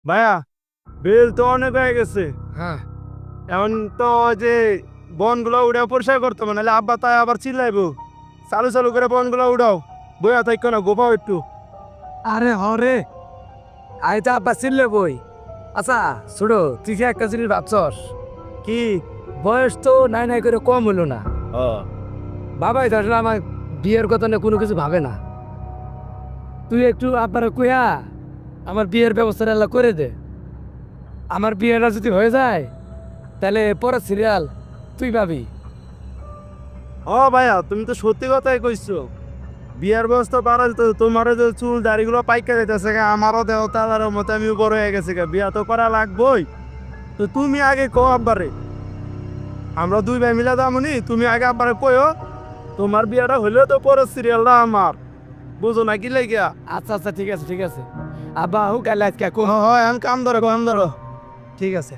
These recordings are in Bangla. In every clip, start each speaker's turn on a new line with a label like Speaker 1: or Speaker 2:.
Speaker 1: ভাইয়া বিল তো অনেক হয়ে গেছে।
Speaker 2: হ্যাঁ
Speaker 1: এখন তো যে বনগুলো উড়ে পরিষ্কার করতে হবে, নাহলে আব্বা তাই আবার চিল্লাইবো। চালু চালু করে বনগুলো উড়াও, বইয়া থাকো না, গোপাও একটু।
Speaker 2: আরে হরে আই তো আব্বা চিল্লে বই। আচ্ছা ছোট তুই কি একটা জিনিস ভাবছস?
Speaker 1: কি?
Speaker 2: বয়স তো নাই নাই করে কম হলো না। বাবাই তো আসলে আমার বিয়ের কথা নিয়ে কোনো কিছু ভাবে না। তুই একটু আব্বারে কইয়া আমার বিয়ের ব্যবস্থাটা আল্লাহ করে দে। আমার বিয়েটা যদি হয়ে যায় তাহলে পরে সিরিয়াল তুই পাবি।
Speaker 1: ভাইয়া তুমি তো সত্যি কথাই কইছো। বিয়ার ব্যবস্থা পারা যেত, তোমার যে চুল দাড়িগুলো পাইকা যাইতেছে গা, আমারও দেহ তালার মতো আমি বড় হয়ে গেছে গা, বিয়া তো করা লাগবই। তো তুমি আগে কো আব্বারে, আমরা দুই ভাই মিলা দামনি, তুমি আগে আব্বারে কইও। তোমার বিয়াটা হইলেও তো পরে সিরিয়ালটা আমার, বুঝো না কি লাগিয়া।
Speaker 2: আচ্ছা আচ্ছা ঠিক আছে ঠিক আছে। আব্বা হুক আল্লাহ আজকে কো।
Speaker 1: হয় আমি কাম ধরো, কাম ধরো। ঠিক আছে।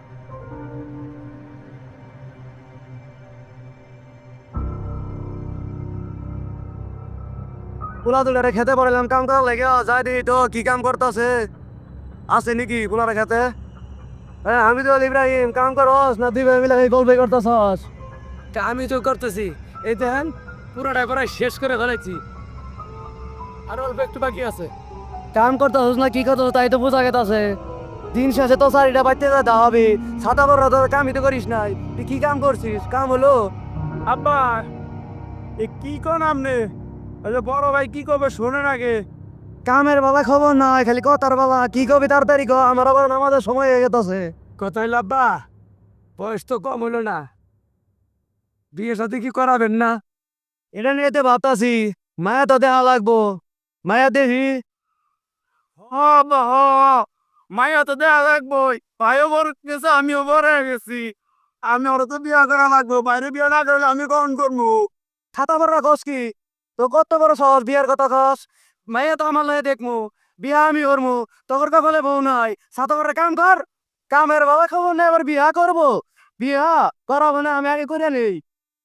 Speaker 2: পোলা দুলারে খেতে পারলাম কাম করার লাগে যাই দি তো কি কাম করতেছে আছে নাকি পোলারে খেতে? হ্যাঁ আমি তো ইব্রাহিম কাম করস না দুই ভাই মিলে গল্প করতেছস? আমি তো করতেছি এই দেখেন পুরোটা প্রায় শেষ করে ফেলেছি, আর অল্প একটু বাকি আছে। কাম করতেছস না কি করতেছ তাই তো বোঝা গেছে। দিন শেষে তো চারিটা বাড়তে যেতে হবে, ছাতা বড় তো কামই তো করিস নাই, তুই কি কাম করছিস? কাম হলো?
Speaker 1: আব্বা এ কি কোন আপনি? ওই যে বড় ভাই কি করবে শোনেন আগে।
Speaker 2: কামের বাবা খবর নাই, খালি কথার বাবা। কি কবি তাড়াতাড়ি ক, আমার আবার নামাজের সময় হয়ে গেছে।
Speaker 1: কোথায় লাব্বা?
Speaker 2: বয়স তো কম হইল না, বিয়ে সাথে কি করাবেন না? এটা নিয়ে তো ভাবতাছি, মায়া তো দেওয়া লাগবো। মায়া দেখি।
Speaker 1: আব্বা মাইয়া তো দেয়া লাগবই, ভাইও বড় গেছে আমিও বড় হয়ে গেছি। আমি ওরা তো বিয়া করা লাগবো, বাইরে বিয়া না করলে আমি কখন করবো?
Speaker 2: ছাতা বড় কস কি? তো কত বড় সহজ বিয়ার কথা কস? মায়া তো আমার লাগে দেখমু, বিয়া আমি করমু। তোর কপালে বউ নাই, ছাতা বড় কাম কর। কামের বাবা খবর নেই আবার বিয়া করবো? বিয়া করাবো না, আমি আগে করে নেই।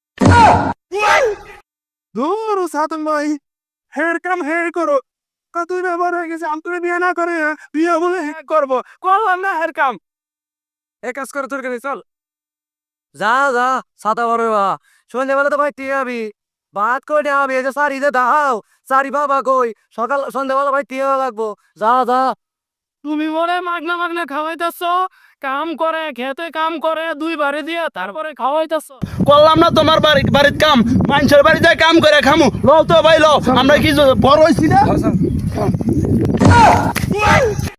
Speaker 1: দূর সাতন ভাই, হের কাম হের করো। তুই ব্যবহার হয়ে গেছে, আমি তোর বিয়ে না করে বিয়ে বলে হ্যাঁ করবো, করলাম না হের কাম।
Speaker 2: এক কাজ করে তোর কাছে চল। যা যা ছাতা বড় বা সন্ধ্যেবেলা তো ভাই টিয়ে যাবি, ভাত করে নেওয়া হবে। এই যে সারি যে দাও, সারি বাবা কই সকাল সন্ধ্যেবেলা ভাই টিয়ে লাগবো। যা যা।
Speaker 1: তুমি বলে মাগনা মাগনা খাওয়াইতেছ, কাম করে খেতে কাম করে দুই বাড়ি দিয়া তারপরে খাওয়াইতেছ। করলাম না তোমার বাড়ির কাম, মানুষের বাড়ি যায় কাম করে খামু। লও তো ভাই লও, আমরা কি বড় হইছি না?